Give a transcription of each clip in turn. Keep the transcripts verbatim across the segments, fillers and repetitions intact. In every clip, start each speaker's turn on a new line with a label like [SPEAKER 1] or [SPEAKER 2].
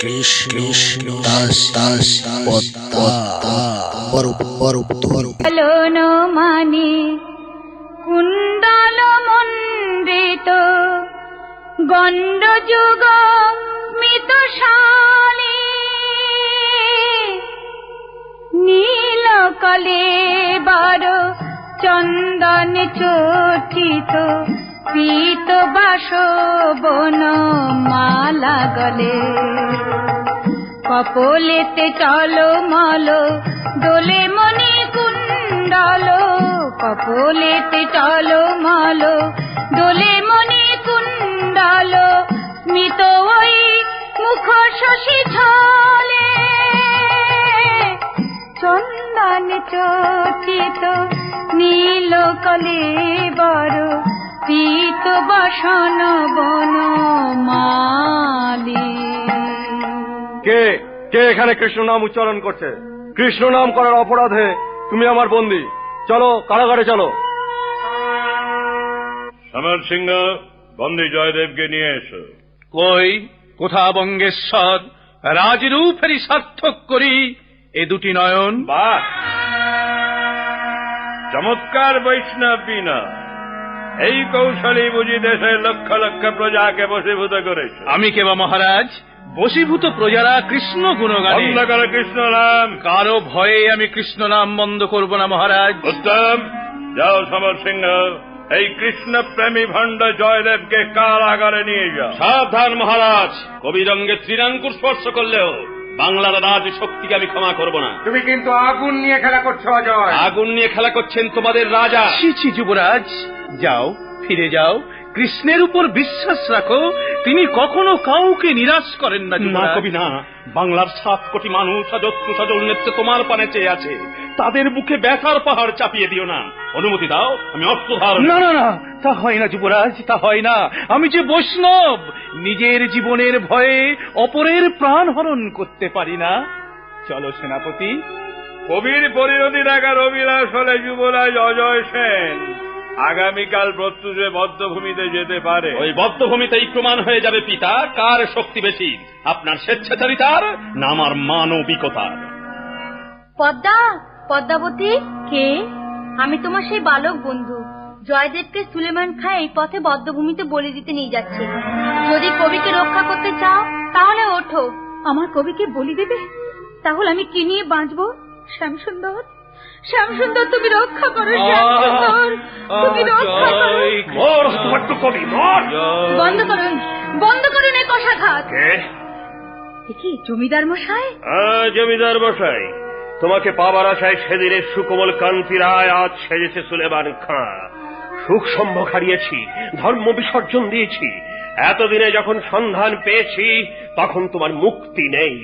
[SPEAKER 1] কৃষ্ণ দাস দাস পদ্মা পরব পরব পরব
[SPEAKER 2] চলন মানে কুণ্ডল মণ্ডিত গণ্ড যুগ মিতশালী নীল কলে বড় চন্দন চটিত পীত বাস বন মালা গলে কপলেতে চলো মলো দোলে মনি কুণ্ডল কপলেতে চলো মলো দোলে মনি কুণ্ডল স্মিত ওই মুখ শশী ছলে চন্দন চটিত নীল কলে বড় পীত বসন বন মালি।
[SPEAKER 3] কে কে এখানে কৃষ্ণ নাম উচ্চারণ করছে? কৃষ্ণ নাম করার অপরাধে তুমি আমার বন্দী। চলো কারাগারে চলো।
[SPEAKER 4] সমর সিংহ, বন্দী জয়দেবকে নিয়ে এসো।
[SPEAKER 5] কই কোথা বঙ্গেশ্বর, রাজরূপেরই সার্থক করি এ দুটি নয়ন।
[SPEAKER 4] বাহ, চমৎকার বৈষ্ণব বিনা। এই কৌশলী বুঝি দেশের লক্ষ লক্ষ প্রজাকে বশীভূত করেছে।
[SPEAKER 5] আমি কেবা মহারাজ, বশীভূত প্রজারা কৃষ্ণ গুণগানে।
[SPEAKER 4] বন্ধ করো কৃষ্ণ নাম।
[SPEAKER 5] কারো ভয়ে আমি কৃষ্ণ নাম বন্ধ করব না মহারাজ।
[SPEAKER 4] উত্তম, যাও সমর সিংহ, এই কৃষ্ণ প্রেমী ভণ্ড জয়দেবকে কারাগারে নিয়ে যাও।
[SPEAKER 5] সাবধান মহারাজ, কবিরঙ্গে ত্রিরাঙ্কুর স্পর্শ করলেও বাংলার রাজ শক্তিকে আমি ক্ষমা করব না।
[SPEAKER 3] তুমি কিন্তু আগুন নিয়ে খেলা করছো অজয়।
[SPEAKER 5] আগুন নিয়ে খেলা করছেন তোমাদের রাজা। ছি ছি যুবরাজ, যাও ফিরে যাও, কৃষ্ণের উপর বিশ্বাস রাখো, তিনি কখনো কাউকে নিরাশ করেন না। না কবি না, বাংলার সাত কোটি মানুষ অজস্র সজল নেত্রে তোমার পানে চেয়ে আছে, তাদের বুকে ব্যথার পাহাড় চাপিয়ে দিও না। অনুমতি দাও, আমি অস্ত্র ধারণ। না না না, তা হয় না যুবরাজ, তা হয় না। আমি যে বৈষ্ণব, নিজের জীবনের ভয়ে অপরের প্রাণ হরণ করতে পারি না। চলো সেনাপতি।
[SPEAKER 4] কবির পরিণতি দেখার অভিলাষ হলে যুবরাজ অজয় সেন আগামীকাল প্রত্যুষে বদ্ধভূমিতে যেতে পারে।
[SPEAKER 5] ওই বদ্ধভূমিতেই প্রমাণ হয়ে যাবে পিতা কার শক্তি বেশি, আপনার স্বেচ্ছাচারিতার না আমার মানবিকতার।
[SPEAKER 2] পদ্মা, পদ্মাবতী কে? আমি তোমার সেই বালক বন্ধু জয়দেবকে সুলেমান খাঁ এই পথে বদ্ধভূমিতে বলি দিতে নিয়ে যাচ্ছে। যদি কবিকে রক্ষা করতে চাও তাহলে ওঠো। আমার কবিকে বলি দেবে? তাহলে আমি কি নিয়ে বাঁচবো? শ্যামসুন্দর, শ্যামসুন্দর, তুমি রক্ষা করো। শ্যামসুন্দর, তুমি রক্ষা করো।
[SPEAKER 4] মোর তোমার কবি মোর।
[SPEAKER 2] বন্ধ করুন, বন্ধ করুন এই কষাঘাত। কি জমিদার মশাই?
[SPEAKER 4] হ্যাঁ, জমিদার মশাই, তোমাকে পাবার আশায় সেদিনের সুকোমল কান্তি রায় আজ সেজেছে সুলেমান খাঁ। সুখ সম্ভোগ হারিয়েছি, ধর্ম বিসর্জন দিয়েছি, এতদিনে যখন সন্ধান পেয়েছি তখন তোমার মুক্তি নেই।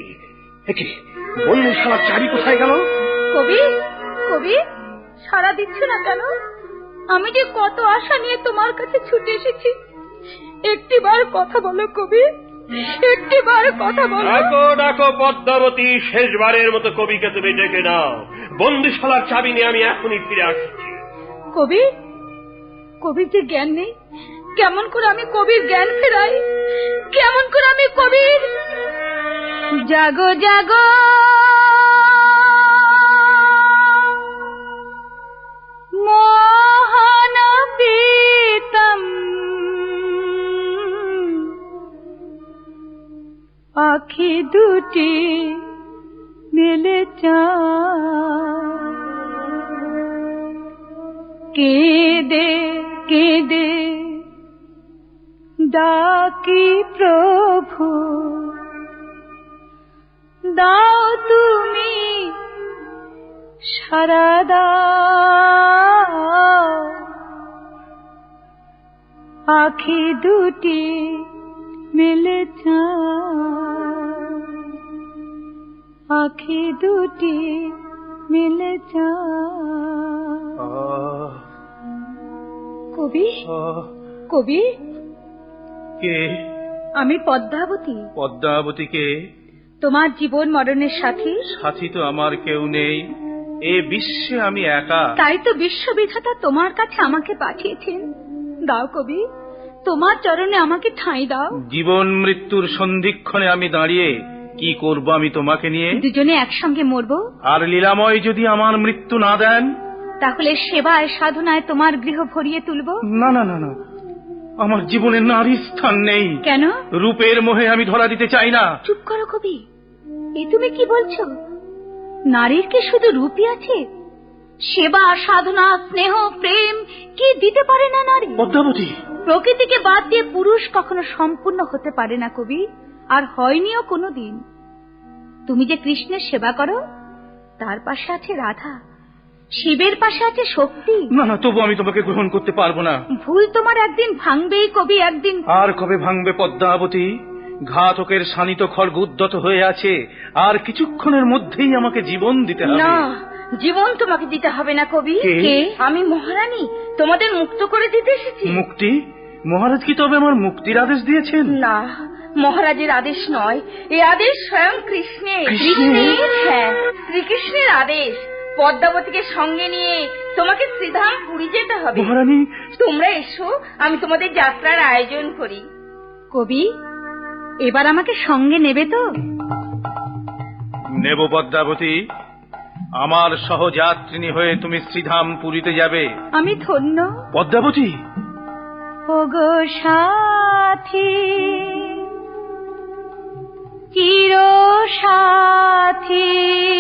[SPEAKER 4] বন্দিশালার চাবি কোথায় গেল?
[SPEAKER 2] কবি, কবি সারা দিচ্ছ না কেন? আমি যে কত আশা নিয়ে তোমার কাছে ছুটে এসেছি। একটিবার কথা বলো কবি, একটিবার কথা বলো।
[SPEAKER 4] ডাকো ডাকো পদ্মাবতী, শেষবারের মতো কবিকে তুমি ডেকে নাও। বন্দিশালার চাবি নিয়ে আমি এখনই ফিরে আসছি।
[SPEAKER 2] কবি, কবির যে জ্ঞান নেই, কেমন করে আমি কবির জ্ঞান ফেরাই? কেমন করে আমি কবির? জাগো জাগো মোহন প্রীতম, আখি দুটি মেলে চায়, কেঁদে কেঁদে ডাকি প্রভু, দাও তুমি সারা দাও, আখি দুটি মেলে চায়, আখি দুটি মেলে চায়। কবি, কবি
[SPEAKER 5] কে?
[SPEAKER 2] আমি পদ্মাবতী।
[SPEAKER 5] পদ্মাবতী কে?
[SPEAKER 2] তোমার জীবন মরণের সাথী।
[SPEAKER 5] সাথী তো আমার কেউ নেই, এ বিশ্বে আমি একা।
[SPEAKER 2] তাই তো বিশ্ববিধাতা তোমার কাছে আমাকে পাঠিয়েছেন। দাও কবি, তোমার চরণে আমাকে ঠাঁই দাও।
[SPEAKER 5] জীবন মৃত্যুর সন্ধিক্ষণে আমি দাঁড়িয়ে কি করব আমি তোমাকে নিয়ে?
[SPEAKER 2] দুজনে একসঙ্গে মরবো।
[SPEAKER 5] আর লীলাময় যদি আমার মৃত্যু না দেন?
[SPEAKER 2] তাহলে সেবায় সাধনায় তোমার গৃহ ভরিয়ে তুলবো।
[SPEAKER 5] না না না না, আমার জীবনে নারীর স্থান নেই।
[SPEAKER 2] কেন?
[SPEAKER 5] রূপের মোহে আমি ধরা দিতে চাই না।
[SPEAKER 2] চুপ করো কবি, এ তুমি কি বলছো? নারীর কি শুধু রূপই আছে? সেবা সাধনা স্নেহ প্রেম কি দিতে পারে না নারী?
[SPEAKER 5] পদ্মাবতী,
[SPEAKER 2] প্রকৃতিকে বাদ দিয়ে পুরুষ কখনো সম্পূর্ণ হতে পারে না কবি, আর হয়নিও কোনোদিন। তুমি যে কৃষ্ণের সেবা করো, তার পাশে আছে রাধা, শিবের পাশে আছে শক্তি।
[SPEAKER 5] না না, তবু আমি তোমাকে গ্রহণ করতে পারবো না।
[SPEAKER 2] ভুল তোমার একদিন ভাঙবেই কবি, একদিন।
[SPEAKER 5] আর কবে ভাঙবে পদ্মাবতী? ঘাতকের শানিত খড়গ উদ্যত হয়ে আছে, আর কিছুক্ষণের মধ্যেই আমাকে জীবন দিতে হবে।
[SPEAKER 2] না, জীবন তোমাকে দিতে হবে না কবি।
[SPEAKER 5] কে?
[SPEAKER 2] আমি মহারানী, তোমাদের মুক্ত করে দিতে এসেছি।
[SPEAKER 5] মুক্তি? মহারাজ কি তবে আমার মুক্তির আদেশ দিয়েছেন?
[SPEAKER 2] না, মহারাজের আদেশ নয়, এই আদেশ স্বয়ং কৃষ্ণের।
[SPEAKER 5] কৃষ্ণের?
[SPEAKER 2] হ্যাঁ, শ্রীকৃষ্ণের আদেশ। পদ্মাবতীকে সঙ্গে নিয়ে তোমাকে শ্রীধাম পুরী যেতে হবে।
[SPEAKER 5] মহারানী,
[SPEAKER 2] তোমরা এসো, আমি তোমাদের যাত্রার আয়োজন করি। কবি, এবার আমাকে সঙ্গে নেবে তো?
[SPEAKER 5] নেব পদ্মাবতী। আমার সহযাত্রিনী হয়ে তুমি শ্রীধাম পুরীতে যাবে।
[SPEAKER 2] আমি ধন্য।
[SPEAKER 5] পদ্মাবতী,
[SPEAKER 2] ওগো সাথী, চির সাথী,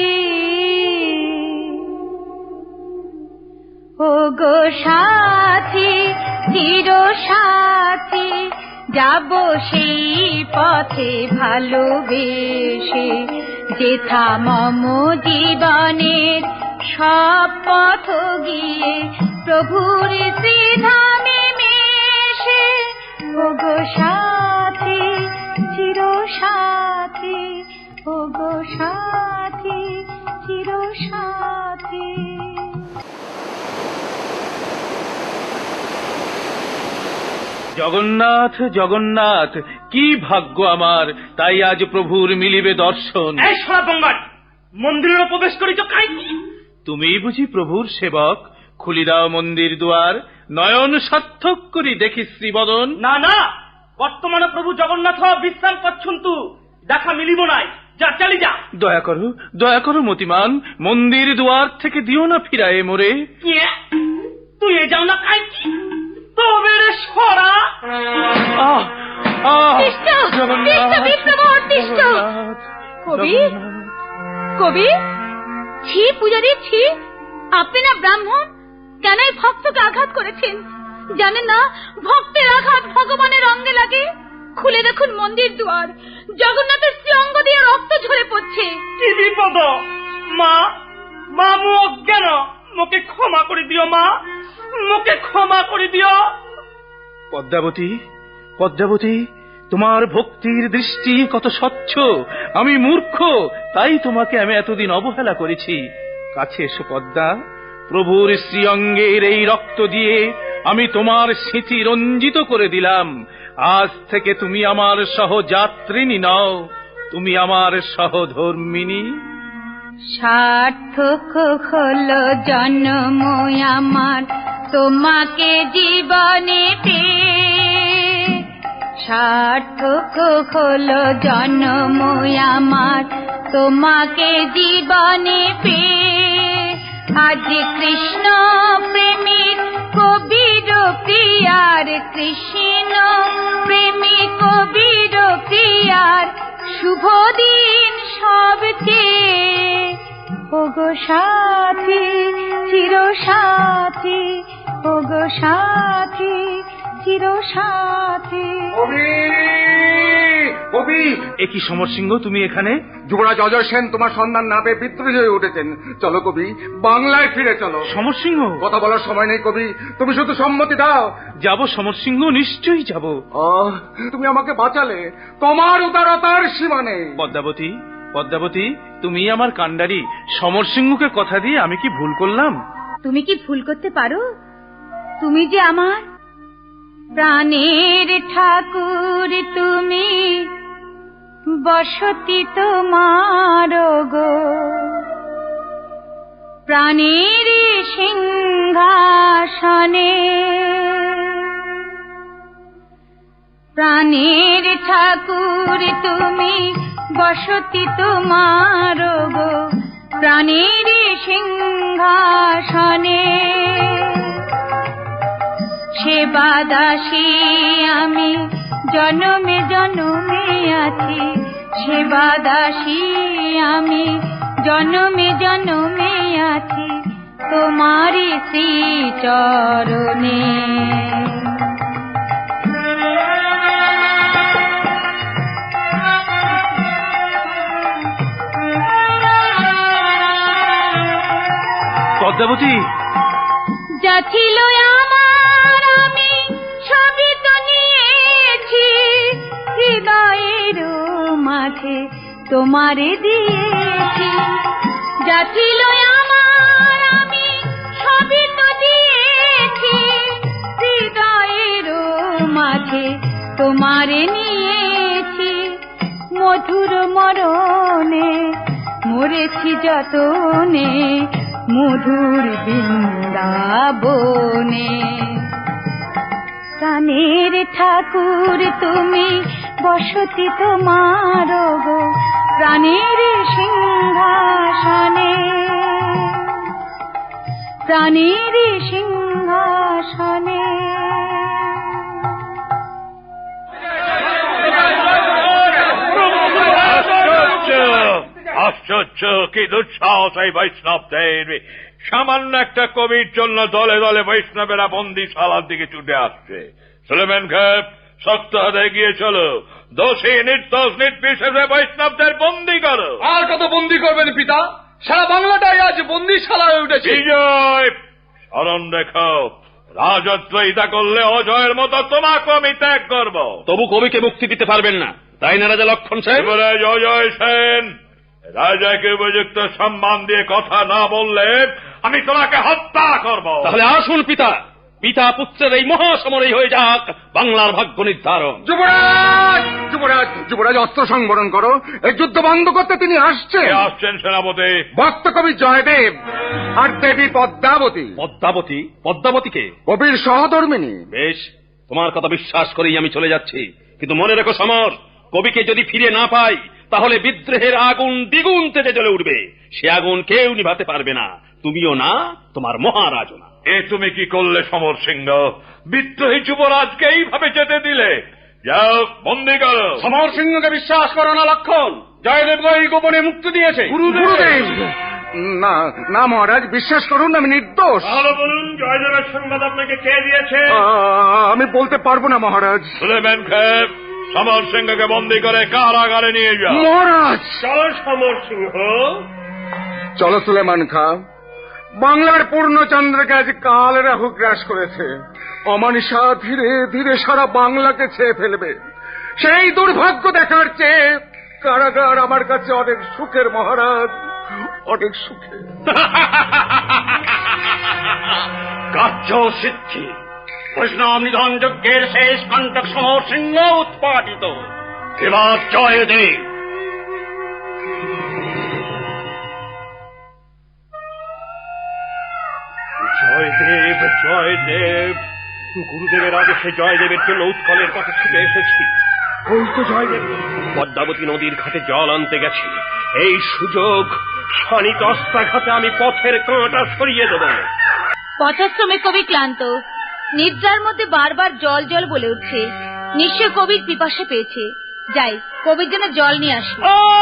[SPEAKER 2] ওগো সাথী, চির সাথী, যাব সেই পথে ভালোবেসে, যেথা মম জীবনের সব পথ গিয়ে প্রভুর শ্রীধামে মেশে। ওগো সাথী, চির সাথী, ওগো সাথী, চির সাথী।
[SPEAKER 5] জগন্নাথ জগন্নাথ, কি ভাগ্য আমার, তাই আজ প্রভুর মিলিবে দর্শন। মন্দিরে প্রবেশ করিছ কাই? তুমি বুঝি প্রভুর সেবক? খুলি দাও মন্দির দুয়ার, নয়ন সার্থক করি দেখি শ্রীবদন।
[SPEAKER 6] না না, বর্তমানে প্রভু জগন্নাথ বিশ্রাম করছন্তু, দেখা মিলিব নাই, যা চালি যা।
[SPEAKER 5] দয়া করো, দয়া করো মতিমান, মন্দির দুয়ার থেকে দিও না ফিরায়ে মোরে।
[SPEAKER 6] তুই এ যাও না কাই তবে রে সরা।
[SPEAKER 5] আহ আহ,
[SPEAKER 2] তিষ্ঠ,
[SPEAKER 5] জগন্নাথ,
[SPEAKER 2] তিষ্ঠ, বিপ্রবর, তিষ্ঠ।
[SPEAKER 5] জগন্নাথ,
[SPEAKER 2] কবি?
[SPEAKER 5] জগন্নাথ।
[SPEAKER 2] কবি, ছি পূজারী, ছি! আপনি না ব্রাহ্মণ, কেন এই ভক্তকে আঘাত করেছেন? জানেন না ভক্তের আঘাত ভগবানের অঙ্গে লাগে? খুলে দেখুন মন্দির দুয়ার, জগন্নাথের শ্রী অঙ্গ দিয়ে রক্ত ঝরে পড়ছে।
[SPEAKER 6] কি বিপদ! মা, মা মু অজ্ঞান, মোকে ক্ষমা করে দিও মা, মোকে ক্ষমা করে দিও।
[SPEAKER 5] পদ্মাবতী, পদ্মাবতী, তোমার ভক্তির দৃষ্টি কত স্বচ্ছ। আমি মূর্খ, তাই তোমাকে আমি এতদিন অবহেলা করেছি। কাছে এসো পদ্মা, প্রভুর শ্রীঅঙ্গের এই রক্ত দিয়ে আমি তোমার স্মৃতি রঞ্জিত করে দিলাম। আজ থেকে তুমি আমার সহযাত্রিনী নও, তুমি আমার সহধর্মিনী।
[SPEAKER 2] সার্থক হলো জন্ম আমার তোমাকে জীবনে পেয়ে, সার্থক হলো জন্ম আমার তোমাকে জীবনে পেয়ে। আজ কৃষ্ণ প্রেমিক কবির প্রিয়ার, কৃষ্ণ প্রেমিক কবির প্রিয়ার শুভ দিন সবচেয়ে। ওগো সাথী, চির সাথী, ওগো সাথী, চির সাথী।
[SPEAKER 3] কবি,
[SPEAKER 5] একই সমর সিংহ, তুমি এখানে?
[SPEAKER 3] যুবরাজ অজয় সেন তোমার সন্ধান না পেয়ে বিদ্রোহী হয়ে উঠেছেন। চলো কবি, বাংলায় ফিরে চলো।
[SPEAKER 5] সমর সিংহ?
[SPEAKER 3] কথা বলার সময় নেই কবি, তুমি শুধু সম্মতি দাও।
[SPEAKER 5] যাব সমর সিংহ, নিশ্চয়ই যাব।
[SPEAKER 3] আহ, তুমি আমাকে বাঁচালে, তোমার উদারতার সীমা নেই।
[SPEAKER 5] পদ্মাবতী, পদ্মাবতী, তুমি আমার কান্ডারি। সমর সিংহকে কথা দিয়ে আমি কি ভুল করলাম?
[SPEAKER 2] তুমি কি ভুল করতে পারো? তুমি যে আমার প্রাণের ঠাকুর, তুমি বসতি তোমার গো প্রাণের সিংহাসনে। প্রাণের ঠাকুর তুমি বসতি তোমার গো প্রাণের সিংহাসনে। সেবা দাসী আমি জনমে জনমে আছি, সেবা দাসী আমি জনমে জনমে আছি তোমারি শ্রী চরণে।
[SPEAKER 5] পদ্মাবতী,
[SPEAKER 2] যা ছিল আমার আমি সবই তো নিয়েছি, হৃদয়ের মাঝে তোমারে দিয়েছি। যা ছিল আমার আমি সবই তো দিয়েছি, হৃদয়ের মাঝে তোমারে নিয়েছি। মধুর মরণে মরেছি যতনে, মধুর বৃন্দাবনে। প্রাণের ঠাকুর তুমি বসতি তোমার গো প্রাণের সিংহাসনে, প্রাণের সিংহাসনে।
[SPEAKER 4] আশ্চর্য, কি দুঃসাহস এই বৈষ্ণবদের! সামান্য একটা কবির জন্য দলে দলে বৈষ্ণবেরা বন্দিশালার দিকে ছুটে আসছে। সুলেমান খাঁ, শক্ত হাতে এগিয়ে চলো, দোষী নির্দোষ নির্বিশেষে বৈষ্ণবদের বন্দী করো।
[SPEAKER 3] আর কত বন্দী করবেন পিতা? সারা বাংলাটাই আজ বন্দিশালায় উঠেছে।
[SPEAKER 4] বিজয়, স্মরণ রেখো, রাজদ্রোহিতা করলে অজয়ের মতো তোমাকে আমি ত্যাগ করব।
[SPEAKER 5] তবু কবিকে মুক্তি দিতে পারবেন না, তাই না রাজা লক্ষণ সেন?
[SPEAKER 4] অজয় সেন, রাজাকে উপযুক্ত সম্মান দিয়ে কথা না বললে আমি তোমাকে হত্যা করব।
[SPEAKER 5] তাহলে আসুন পিতা, পিতা পুত্রের এই মহাসমরেই হয়ে যাক বাংলার ভাগ্য নির্ধারণ।
[SPEAKER 3] যুবরাজ, যুবরাজ, যুবরাজ অস্ত্র সংবরণ করো, এই যুদ্ধ বন্ধ করতে তিনি আসছেন।
[SPEAKER 4] কে আসছেন সেনাপতি?
[SPEAKER 3] ভক্ত কবি জয়দেব আর দেবী পদ্মাবতী।
[SPEAKER 5] পদ্মাবতী? পদ্মাবতীকে?
[SPEAKER 3] কবির সহধর্মিনী।
[SPEAKER 5] বেশ, তোমার কথা বিশ্বাস করেই আমি চলে যাচ্ছি, কিন্তু মনে রেখো সমর, কবিকে যদি ফিরে না পাই তাহলে বিদ্রোহের আগুন দ্বিগুণ তেজে জ্বলে উঠবে। সে আগুন কেউ নিভাতে পারবে না, তুমিও না, তোমার মহারাজও না।
[SPEAKER 4] এ তুমি কি করলে সমর সিংহ? বিদ্রোহী যুবরাজকে এইভাবে যেতে দিলে? যাও, বন্দী করো।
[SPEAKER 3] সমর সিংহকে বিশ্বাস করো না লক্ষণ, জয়দেব এই গোপনে মুক্তি দিয়েছে। গুরুদেব! না না মহারাজ, বিশ্বাস করুন, আমি নির্দোষ।
[SPEAKER 4] ভালো বলুন, জয়দেবের সংবাদ আপনাকে কে দিয়েছে?
[SPEAKER 3] আমি বলতে পারবো না মহারাজ।
[SPEAKER 4] সুলেমান খাঁ, সমর সিংহকে বন্দী করে কারাগারে নিয়ে যাও।
[SPEAKER 3] মহারাজ!
[SPEAKER 4] চলো সমর সিংহ,
[SPEAKER 3] চলো সুলেমান খাঁ। বাংলার পূর্ণচন্দ্রকে আজ কাল রাহু গ্রাস করেছে। অমানিসা ধীরে ধীরে সারা বাংলাকে ছেয়ে ফেলবে। সেই দুর্ভাগ্য দেখার চেয়ে কারাগার আমার কাছে অনেক সুখের মহারাজ, অনেক সুখের।
[SPEAKER 5] কার্য সিদ্ধি, বৈষ্ণব নিধন যজ্ঞের শেষ কণ্টক সমর সিংহ উৎপাদিত। এবার জয়দেব।
[SPEAKER 4] জয়দেব, জয়দেব, গুরুদেবের আদেশে জয়দেবের জন্য উৎকলের পথে ছুটে এসেছি। ওই তো জয়দেব পদ্মাবতী নদীর ঘাটে জল আনতে গেছে। এই সুযোগ শানিত অস্ত্রাঘাতে আমি পথের কাঁটা সরিয়ে দেব।
[SPEAKER 2] পথশ্রমে কবি ক্লান্ত, নিদ্রার মধ্যে বারবার জল জল বলে উঠছে। নিশ্চয় কবির পিপাসা পেয়েছে। যাই, কবির জন্য জল নিয়ে আসি।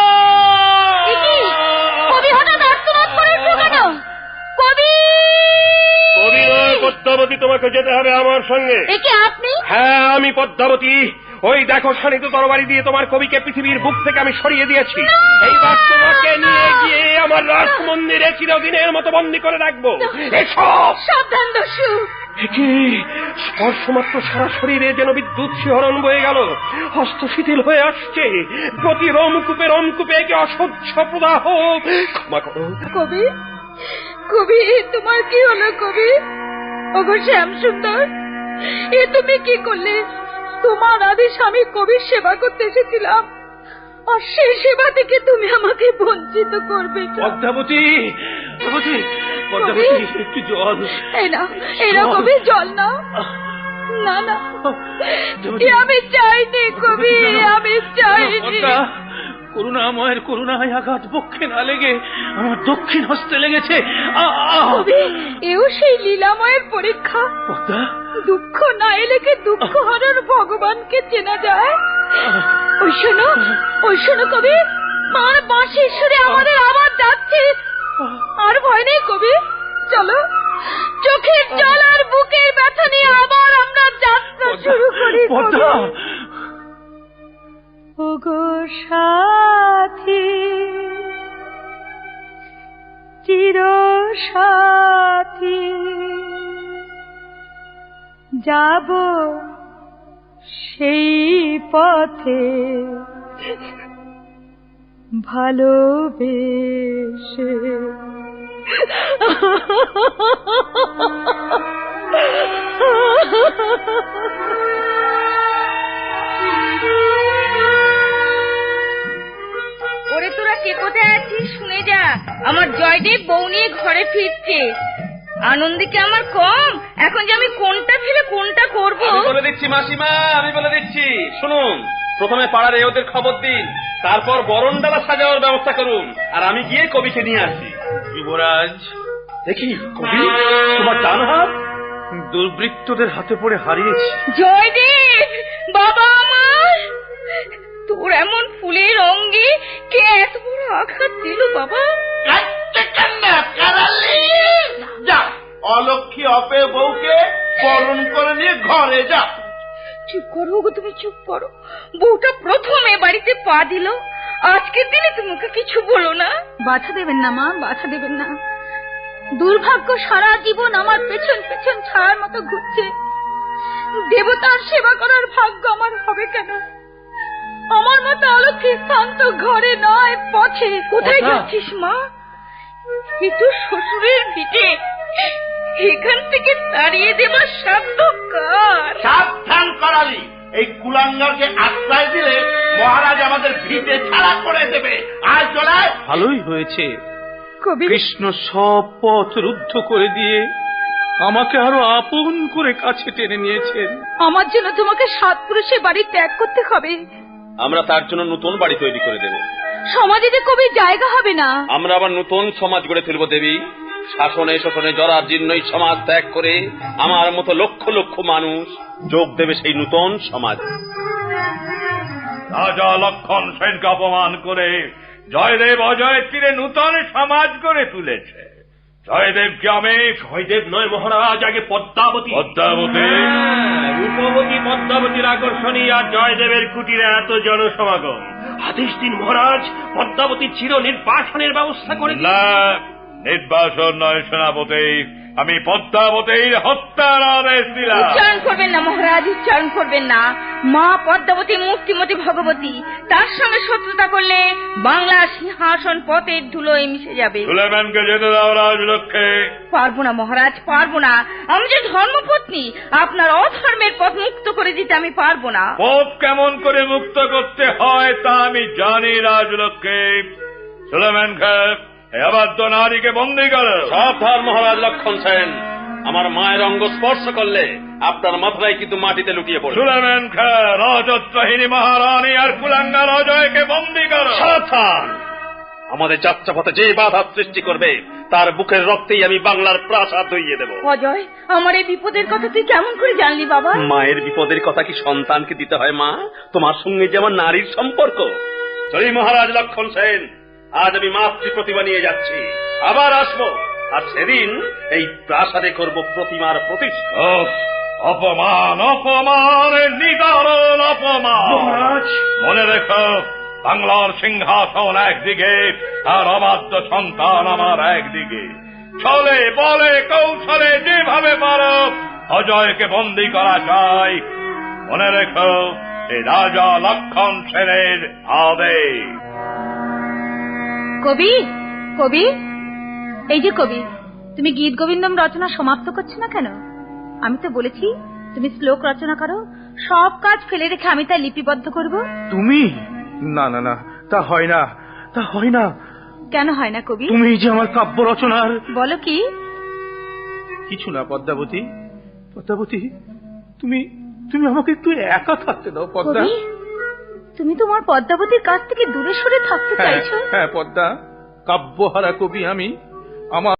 [SPEAKER 2] কবি হঠাৎ আর্তনাদ করে উঠল কেন? কবি!
[SPEAKER 4] কবি নয়, পদ্মাবতী, তোমাকে যেতে হবে আমার সঙ্গে।
[SPEAKER 2] একে আপনি?
[SPEAKER 4] হ্যাঁ, আমি পদ্মাবতী। ওই দেখো, শানিত তরবারি দিয়ে তোমার কবিকে পৃথিবীর বুক থেকে আমি সরিয়ে দিয়েছি। এইবার তোমাকে নিয়ে গিয়ে আমার রাজ মন্দিরে চিরদিনের মতো বন্দী করে রাখবো। এসব
[SPEAKER 2] সাবধান দস্যু!
[SPEAKER 4] কি স্পর্শমাত্র সারা শরীরে যেন বিদ্যুৎ শিহরণ বয়ে গেল। হস্ত শিথিল হয়ে আসছে, প্রতি রোমকূপে রোমকূপে একে অসহ্য প্রদাহ। ক্ষমা করো
[SPEAKER 2] কবি। কবি, তোমার কি হলো কবি? ওগো শ্যাম সুন্দর, এ তুমি কি করলে? তোমার আদেশ আমি কবির সেবা করতে এসেছিলাম, আর সেই সেবা থেকে তুমি আমাকে বঞ্চিত করবে।
[SPEAKER 5] পদ্মাবতী, পদ্মাবতী, পদ্মাবতী, একটু জল।
[SPEAKER 2] এই না, এই না কবি, জল নাও। না না, এ আমি চাইনি কবি, আমি চাইনি।
[SPEAKER 5] করুণাময়ের করুণায় আঘাত বক্ষে না লেগে আমার দক্ষিণ হস্তে লেগেছে। আ- আ-
[SPEAKER 2] কবি, এও সেই লীলাময়ের পরীক্ষা।
[SPEAKER 5] পদ্মা,
[SPEAKER 2] দুঃখ না এলে কি দুঃখ হারার ভগবানকে চেনা যায়? ওই শোনো, ওই শোনো কবি, মার বাঁশির সুরে আমাদের আবার যাচ্ছে। আর ভয় নেই কবি, চলো, চোখের জল আর বুকের ব্যথা নিয়ে আবার আমরা যাত্রা শুরু করি।
[SPEAKER 5] পদ্মা,
[SPEAKER 2] ওগো সাথী, চির সাথী, যাব সেই পথে ভালোবেসে। ওরে তোরা কে কোথায় আছিস শুনে যা, আমার জয়দেব বউ নিয়ে ঘরে ফিরছে। আনন্দে কি আমার কম? এখন যে আমি কোনটা ফেলে কোনটা করব?
[SPEAKER 5] আমি বলে দিচ্ছি মাসিমা, আমি বলে দিচ্ছি। শুনুন, প্রথমে পাড়ার এ ওদের খবর দিন, তারপর বরণডালা সাজানোর ব্যবস্থা করুন, আর আমি গিয়ে কবিকে নিয়ে আসি। যুবরাজ, দেখি কবি, তোমার ডান হাত দুর্বৃত্তদের হাতে পড়ে হারিয়েছি।
[SPEAKER 2] জয়দেব বাবা আমার, তোর এমন ফুলের অঙ্গে কে এত বড় আঘাত দিল বাবা?
[SPEAKER 6] যা, অলক্ষী অপে বউকে বরণ করে নিয়ে ঘরে যা।
[SPEAKER 2] চুপ করো গো, তুমি চুপ করো। বউটা প্রথম এ বাড়িতে পা দিল, আজকের দিনে তোমাকে কিছু বলো না। বাধা দেবেন না মা, বাধা দেবেন না। দুর্ভাগ্য সারা জীবন আমার পেছন পেছন ছাড়ার মতো ঘুরছে। দেবতার সেবা করার ভাগ্য আমার হবে কেন? আমার মতো অলক্ষী স্থান তো ঘরে নয়, পথে। কোথায় যাচ্ছিস মা? এ তো শ্বশুরের ভিটে, এখান থেকে তাড়িয়ে দেবার সাধ্য কার?
[SPEAKER 6] সাবধান করালি, এই কুলাঙ্গারকে আশ্রয় দিলে মহারাজ আমাদের ভিটে ছাড়া করে দেবে। আর চলায়
[SPEAKER 5] ভালোই হয়েছে,
[SPEAKER 2] কবি,
[SPEAKER 5] কৃষ্ণ সব পথ রুদ্ধ করে দিয়ে আমাকে আরো আপন করে কাছে টেনে নিয়েছেন।
[SPEAKER 2] আমার জন্য তোমাকে সাত পুরুষের বাড়ি ত্যাগ করতে হবে।
[SPEAKER 5] আমরা তার জন্য নতুন বাড়ি তৈরি করে দেব।
[SPEAKER 2] সমাজে যে কবি জায়গা হবে না।
[SPEAKER 5] আমরা আবার নতুন সমাজ গড়ে তুলব দেবী। শাসনে শোষণে জরাজীর্ণই সমাজ ত্যাগ করে আমার মতো লক্ষ লক্ষ মানুষ যোগ দেবে সেই নতুন সমাজ।
[SPEAKER 7] রাজা লক্ষণ সেনকে অপমান করে জয়দেব অজয় তীরে নূতন সমাজ গড়ে তুলেছে। জয়দেবকে আমি
[SPEAKER 4] জয়দেব নয় মহারাজ, আগে পদ্মাবতী।
[SPEAKER 7] পদ্মাবতী,
[SPEAKER 4] রূপবতী পদ্মাবতীর আকর্ষণী আর জয়দেবের কুটিরে এত জনসমাগম। আদেশ দিন মহারাজ, পদ্মাবতীর চির নির্বাসনের ব্যবস্থা করে দিন।
[SPEAKER 7] না, নির্বাসন নয় সেনাপতি, আমি পদ্মাবতীর হত্যার আদেশ দিলাম।
[SPEAKER 2] উচ্চারণ করবেন না মহারাজ, উচ্চারণ করবেন না। মা পদ্মাবতী মূর্তিমতী ভগবতী, তার সঙ্গে শত্রুতা করলে বাংলার সিংহাসন পথের ধুলোয় মিশে যাবে।
[SPEAKER 7] সুলেমানকে যেতে দাও রাজলক্ষ্মী।
[SPEAKER 2] পারবো না মহারাজ, পারবো না। আমি যে ধর্মপত্নী, আপনার অধর্মের পথ মুক্ত করে দিতে আমি পারবো না।
[SPEAKER 7] পথ কেমন করে মুক্ত করতে হয় তা আমি জানি রাজলক্ষ্মী। সুলেমান খান, এই অবাধ্য নারীকে বন্দী করো।
[SPEAKER 5] সাবধান মহারাজ লক্ষণ সেন, আমার মায়ের অঙ্গ স্পর্শ করলে আপনার মাথায় কিন্তু মাটিতে লুটিয়ে পড়বে।
[SPEAKER 7] সুলেমান খান, রাজত্বহীনী মহারানী আর কুলাঙ্গার অজয়কে বন্দী করো।
[SPEAKER 5] সাবধান, আমাদের যাত্রাপথে যে বাধা সৃষ্টি করবে তার বুকের রক্তেই আমি বাংলার প্রাসাদ ধুইয়ে দেব।
[SPEAKER 2] অজয়, আমার এই বিপদের কথা তুই কেমন করে জানলি বাবা?
[SPEAKER 5] মায়ের বিপদের কথা কি সন্তানকে দিতে হয় মা? তোমার সঙ্গে যে আমার নারীর সম্পর্ক। চলি মহারাজ লক্ষণ সেন, আজ আমি মাতৃ প্রতিমা নিয়ে যাচ্ছি, আবার আসবো, আর সেদিন এই প্রাসাদে করব প্রতিমার প্রতিষ্ঠা।
[SPEAKER 7] উফ, অপমান, অপমান, নিদারুণ অপমান।
[SPEAKER 4] মহারাজ,
[SPEAKER 7] মনে রেখো, বাংলার সিংহাসন একদিকে আর অবাধ্য সন্তান আমার একদিকে। ছলে বলে কৌশলে যেভাবে পারো অজয়কে বন্দী করা চাই। মনে রেখো, এই রাজা লক্ষণ সেনের আদেশ।
[SPEAKER 2] কবি, কবি, এই যে কবি, তুমি গীত গোবিন্দম রচনা সমাপ্ত করছো না কেন? আমি তো বলেছি তুমি শ্লোক রচনা করো, সব কাজ ফেলে রেখে আমি তা লিপিবদ্ধ করব।
[SPEAKER 5] তুমি? না না না, তা হয় না, তা হয় না।
[SPEAKER 2] কেন হয় না কবি?
[SPEAKER 5] তুমি যে আমার কাব্য রচনার।
[SPEAKER 2] বলো কি?
[SPEAKER 5] কিছু না পদ্মাবতী, পদ্মাবতী, তুমি তুমি আমাকে একটু একা থাকতে দাও পদ্মা।
[SPEAKER 2] কবি, তুমি তোমার পদ্মাবতীর কাছ থেকে দূরে সরে থাকতে চাইছো?
[SPEAKER 5] হ্যাঁ পদ্মা, কাব্যহারা কবি আমি। আমার